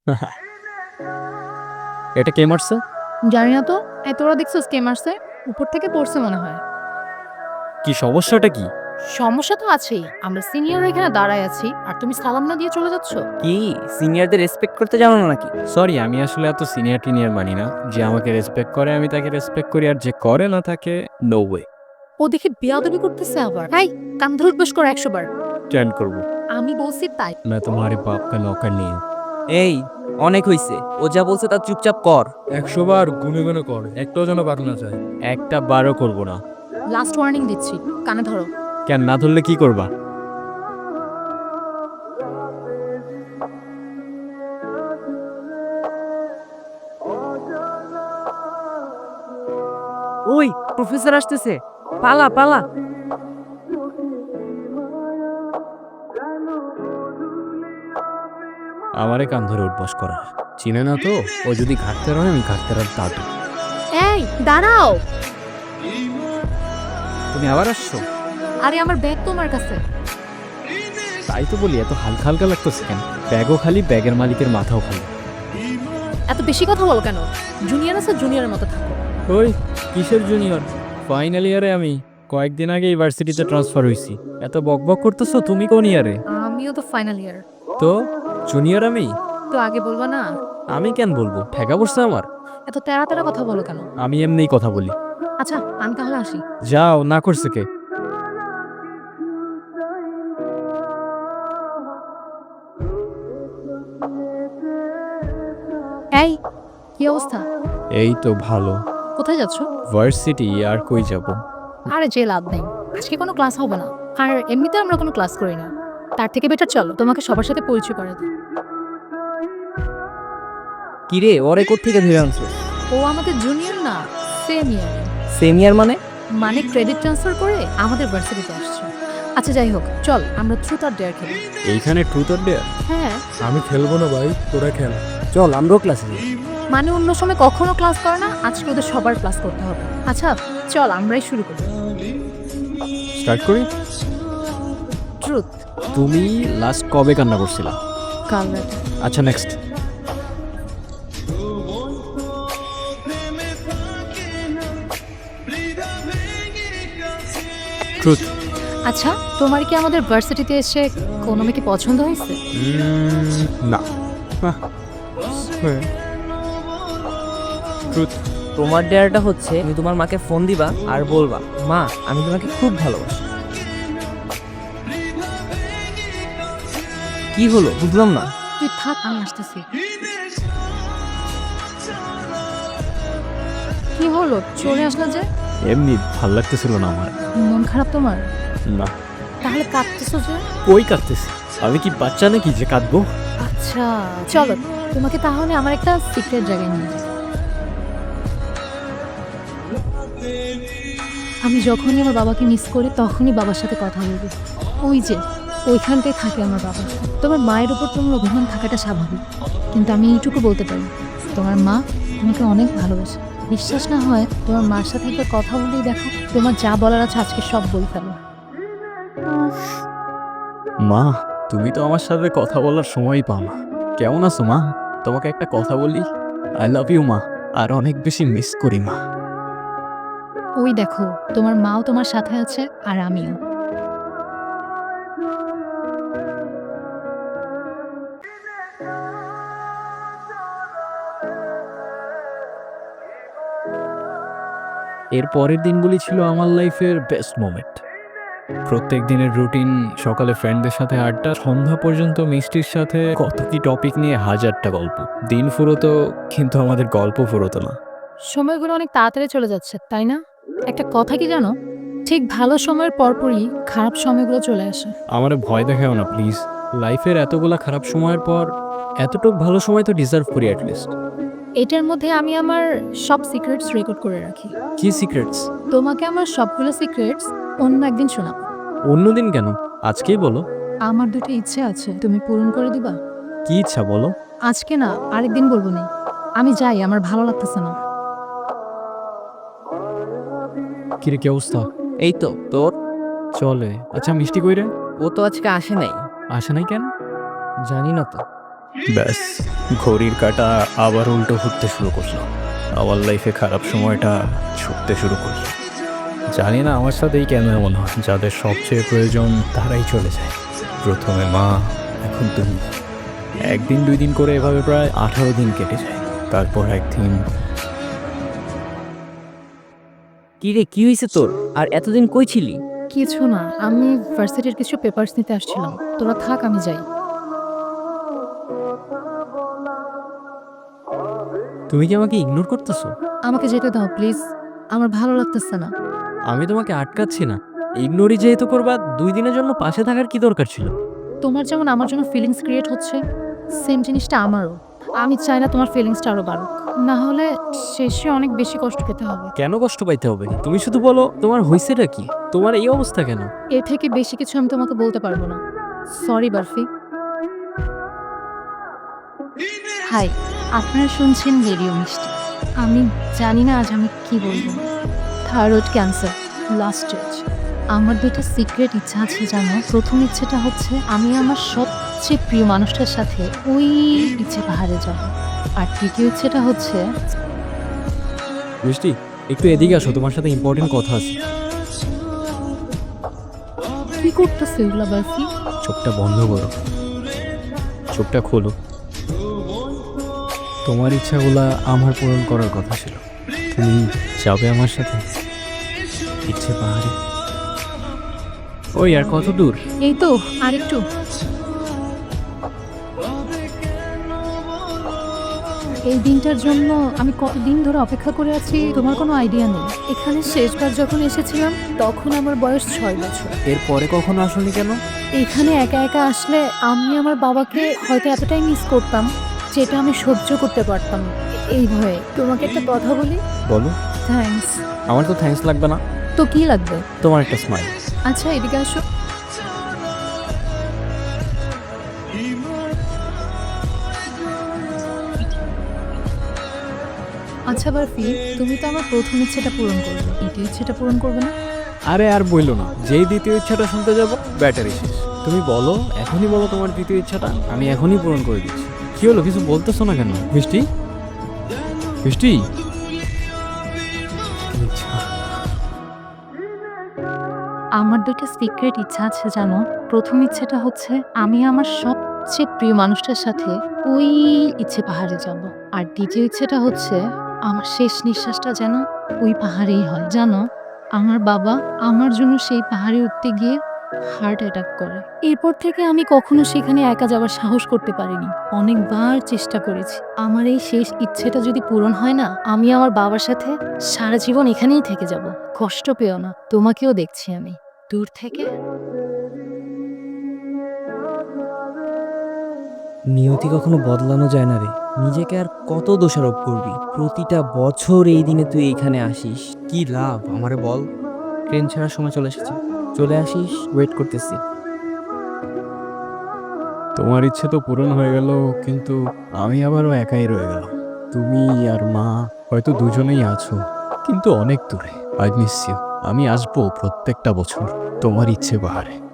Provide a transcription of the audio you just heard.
এটা কে মারছে? জানি না তো। তোরা দেখছিস কে মারছে? উপর থেকে পড়ছে মনে হয়। কি সমস্যাটা কি? সমস্যা তো আছেই। আমরা সিনিয়র এখানে দাঁড়ায় আছি আর তুমি সালাম না দিয়ে চলে যাচ্ছ। কি সিনিয়রদের রেসপেক্ট করতে জানো না নাকি? সরি, আমি আসলে এত সিনিয়র টিনিয়র মানি না। যে আমাকে রেসপেক্ট করে আমি তাকে রেসপেক্ট করি, আর যে করে না তাকে নো ওয়ে। ও দেখে বেয়াদবি করতেছে আবার। হাই, কান ধরে উঠবস করো 100 বার। স্ট্যান্ড করবো। আমি বলছি তাই। मैं तुम्हारे बाप का नौकर नहीं हूँ। এই অনেক হইছে, ও যা বলছে তা চুপচাপ কর। 100 বার গুনে গুনে কর, একটাও যেন বাদ না যায়। একটা বারও করবো না। লাস্ট ওয়ার্নিং দিচ্ছি, কানে ধরো। কেন না ধরলে কি করবা? ওই প্রফেসর আসতেছে, পালা পালা। আমারে কান ধরে উঠবস করা চিনে না তো। ও যদি ঘাটতে রয় আমি ঘাটতে রার দাদু। এই দাঁড়াও। তুমি আবার আসছো? আরে আমার ব্যাগ তোমার কাছে। তাই তো বলি, এত হালকা হালকা লাগতেছে কেন? ব্যাগও খালি, ব্যাগের মালিকের মাথাও খালি। এত বেশি কথা বলো কেন? জুনিয়র আছে, জুনিয়রের মতো থাকো। ওই কিসের জুনিয়র? ফাইনাল ইয়ারে আমি। কয়েকদিন আগে ইউনিভার্সিটিতে ট্রান্সফার হইছি। এত বকবক করতেছো, তুমি কোন ইয়ারে? আমিও তো ফাইনাল ইয়ার। তো জুনিয়র আমি? তো আগে বলবা না? আমি কেন বলবো? ঠেকা পড়ছে আমার। এত তেরা তেরা কথা বলো কেন? আমি এমনিই কথা বলি। আচ্ছা, আমি তাহলে আসি। যাও, না করছে কে? এই, কি অবস্থা? এই তো ভালো। কোথায় যাচ্ছ? ভার্সিটি, আর কই যাব? আরে যে লাভ নেই, আজকে কোনো ক্লাস হবে না। আর এমনিতে আমরা কোনো ক্লাস করি না। তার থেকে বেটার চলো তোমাকে সবার সাথে পরিচয় করে দিই। কি রে, ওরে কোত্থেকে ধরে আনছো? ও আমাদের জুনিয়র না, সেম ইয়ার। সেমিয়ার মানে? মানে ক্রেডিট ট্রান্সফার করে আমাদের ভার্সিটিতে আসছে। আচ্ছা যাই হোক, চল আমরা ট্রুথ আর ডেয়ার খেলি। এইখানে ট্রুথ অর ডেয়ার? হ্যাঁ, আমি খেলবো না ভাই, তোরা খেল। চল আমরাও ক্লাসে যাই। মানে অন্য সময় কখনো ক্লাস করে না, আজকে ওদের সবার ক্লাস করতে হবে। আচ্ছা চল আমরাই শুরু করি। স্টার্ট করি। ট্রুথ। তুমি লাস্ট কবে কান্না করছিলা? কাল রাতে। আচ্ছা নেক্সট। ট্রুথ। আচ্ছা, তোমার কি আমাদের ভার্সিটিতে এসে কোনো মেয়েকে পছন্দ হয়েছে? না। ট্রুথ। তোমার ডেয়ারটা হচ্ছে তুমি তোমার মাকে ফোন দিবা আর বলবা, মা আমি তোমাকে খুব ভালোবাসি। কি হলো বুঝলাম না। তুই থাক, আমি আসতেছি। কি হলো, চলে আসলো যে? এমনি ভাল লাগতেছিল না আমার। মন খারাপ তোমার? না। তাহলে কাঁদতেছো যে? কই কাঁদতেছি? আমি কি বাচ্চা নাকি যে কাঁদবো? আচ্ছা চলো, তোমাকে তাহলে আমার একটা সিক্রেট জায়গায় নিয়ে যাই। আমি যখনই আমার বাবাকে মিস করি তখনই বাবার সাথে কথা বলবি। ওই যে ওইখানটায় থাকে আমার বাবা। তোমার মায়ের উপর তোমার অভিমান থাকাটা স্বাভাবিক, কিন্তু আমি এইটুকু বলতে পারি, তোমার মা তোমাকে অনেক ভালোবাসে। বিশ্বাস না হয় তোমার মার সাথে একবার কথা বলেই দেখো, তোমার যা বলার আছে আজকে সব বলে ফেলো। মা, তুমি তো আমার সাথে কথা বলার সময়ই পাও না। কেমন আছো মা? তোমাকে একটা কথা বলি, আই লাভ ইউ মা। আর অনেক বেশি মিস করি মা। ওই দেখো, তোমার মাও তোমার সাথে আছে আর আমিও। এর পরের দিনগুলি ছিল আমার লাইফের বেস্ট মোমেন্ট। প্রত্যেক দিনের রুটিন, সকালে ফ্রেন্ডদের সাথে আড্ডা, সন্ধ্যা পর্যন্ত মিষ্টির সাথে কত কি টপিক নিয়ে হাজারটা গল্প। দিন ফুরোতো কিন্তু আমাদের গল্প ফুরোতো না। সময়গুলো অনেক তাড়াতাড়ি চলে যাচ্ছে, তাই না? একটা কথা কি জানো, ঠিক ভালো সময়ের পরপরই খারাপ সময়গুলো চলে আসে। আমারে ভয় দেখাও না প্লিজ। লাইফের এতগুলা খারাপ সময়ের পর এতটুক ভালো সময় তো ডিজার্ভ করি অ্যাটলিস্ট। এটার মধ্যে আমি আমার সব সিক্রেটস রেকর্ড করে রাখি। কি সিক্রেটস? তোমাকে আমার সবগুলো সিক্রেটস অন্য একদিন শোনাবো। অন্যদিন কেন? আজকেই বলো। আমার দুটো ইচ্ছে আছে, তুমি পূরণ করে দিবা? কি ইচ্ছা বলো? আজকে না, আরেকদিন বলবো না। আমি যাই, আমার ভালো লাগতেছে না। কিরে, কি অবস্থা? এই তো তোর। চলে। আচ্ছা মিষ্টি কইরে? ও তো আজকে আসে নাই। আসে নাই কেন? জানি না তো। ব্যাস, ঘড়ির কাঁটা আবার উল্টো ঘুরতে শুরু করলো। আমার লাইফে খারাপ সময়টা ছুটতে শুরু করলো। জানি না আমার সাথেই কেন এমন হয়, যাদের সবচেয়ে প্রয়োজন তারাই চলে যায়। প্রথমে মা, এখন তুমি। একদিন 2 দিন করে এভাবে প্রায় 18 দিন কেটে যায়। তারপর একদিন কি রে, কি হয়েছে তোর? আর এতদিন কই ছিলি? কিছু না, আমি ভার্সিটির কিছু পেপারস নিতে আসছিলাম। তোরা থাক, আমি যাই। তুমি কি আমাকে ইগনোর করতেছো? আমাকে যেতে দাও প্লিজ, আমার ভালো লাগতেছে না। আমি তোমাকে আটকাচ্ছি না। ইগনোরই যেহেতু করবা, 2 দিনের জন্য পাশে থাকার কি দরকার ছিল? তোমার যেমন আমার জন্য ফিলিংস ক্রিয়েট হচ্ছে, সেম জিনিসটা আমারও। আমি চাই না তোমার ফিলিংসটা আরো বাড়ুক, না হলে শেষে অনেক বেশি কষ্ট পেতে হবে। কেন কষ্ট পাইতে হবে? তুমি শুধু বলো তোমার হয়েছেটা কি, তোমার এই অবস্থা কেন? এর থেকে বেশি কিছু আমি তোমাকে বলতে পারবো না। সরি বার্ফি। হাই, আপনারা শুনছেন রেডিও মিষ্টি। আমি জানি না আজ আমি কি বলবো। Thyroid cancer, last stage. আমার 2টা সিক্রেট ইচ্ছা আছে জানো। প্রথম ইচ্ছেটা হচ্ছে আমি আমার সবচেয়ে প্রিয় মানুষটার সাথে ওই ইচ্ছে পাহাড়ে যাব। আর দ্বিতীয় ইচ্ছেটা হচ্ছে মিষ্টি, একটু এদিকে আসো, তোমার সাথে ইম্পর্টেন্ট কথা আছে। কি করতেছে এগুলা বার্ফি? চোখটা বন্ধ করো, চোখটা খোলো। তোমার ইচ্ছাগুলা আমার পূরণ করার কথা ছিল। তুমি যাবে আমার সাথে ইচ্ছে পাহাড়ে? ওই আর কত দূর? এই তো আরেকটু। এই দিনটার জন্য আমি কতদিন ধরে অপেক্ষা করে আছি তোমার কোনো আইডিয়া নেই। এখানে শেষবার যখন এসেছিলাম তখন আমার বয়স 6 বছর। এরপরে কখনো আসোনি কেন? এখানে একা একা আসলে আমি আমার বাবাকে হয়তো এতটাই মিস করতাম যেটা আমি সহ্য করতে পারতাম না। এই ভয়ে তোমাকে একটা কথা বলি। বলো। থ্যাঙ্কস। আমার তো থ্যাঙ্কস লাগবে না, তো কি লাগবে? তোমার একটা স্মাইল। আচ্ছা এদিকে আসো। আচ্ছা বারফি, তুমি তো আমার প্রথম ইচ্ছেটা পূরণ করবে, দ্বিতীয় ইচ্ছেটা পূরণ করবে না? আরে আর বইলো না, যেই দ্বিতীয় ইচ্ছাটা শুনতে যাব ব্যাটারি শেষ। তুমি বলো, এখনই বলো তোমার দ্বিতীয় ইচ্ছাটা, আমি এখনই পূরণ করে দিচ্ছি। কি হলো, কিছু বলতেছো না কেন? মিষ্টি, মিষ্টি। আচ্ছা, আমার 2টা সিক্রেট ইচ্ছা আছে জানো। প্রথম ইচ্ছেটা হচ্ছে আমি আমার সবচেয়ে প্রিয় মানুষটার সাথে ওই ইচ্ছে পাহাড়ে যাব। আর দ্বিতীয় ইচ্ছেটা হচ্ছে আমার শেষ নিঃশ্বাসটা যেন ওই পাহাড়েই হয়। জানো, আমার বাবা আমার জন্য সেই পাহাড়ে উঠতে গিয়ে হার্ট অ্যাটাক করে। এরপর থেকে আমি কখনো সেখানে একা যাওয়ার সাহস করতে পারিনি। অনেকবার চেষ্টা করেছি। আমার এই শেষ ইচ্ছেটা যদি পূরণ হয় না, আমি আমার বাবার সাথে সারা জীবন এখানেই থেকে যাব। কষ্ট পেও না, তোমাকেও দেখছি আমি দূর থেকে। নিয়তি কখনো বদলানো যায় না রে। নিজেকে আর কত দোষারোপ করবি? প্রতিটা বছর এই দিনে তুই এখানে আসিস, কি লাভ আমারে বল? ট্রেন ছাড়ার সময় চলে এসেছে, চলে আসিস, ওয়েট করতেছি। তোমার ইচ্ছে তো পূরণ হয়ে গেল, কিন্তু আমি আবারও একাই রয়ে গেলাম। তুমি আর মা হয়তো দুজনেই আছো, কিন্তু অনেক দূরে। I miss you. আমি আসবো প্রত্যেকটা বছর তোমার ইচ্ছে পাহাড়ে।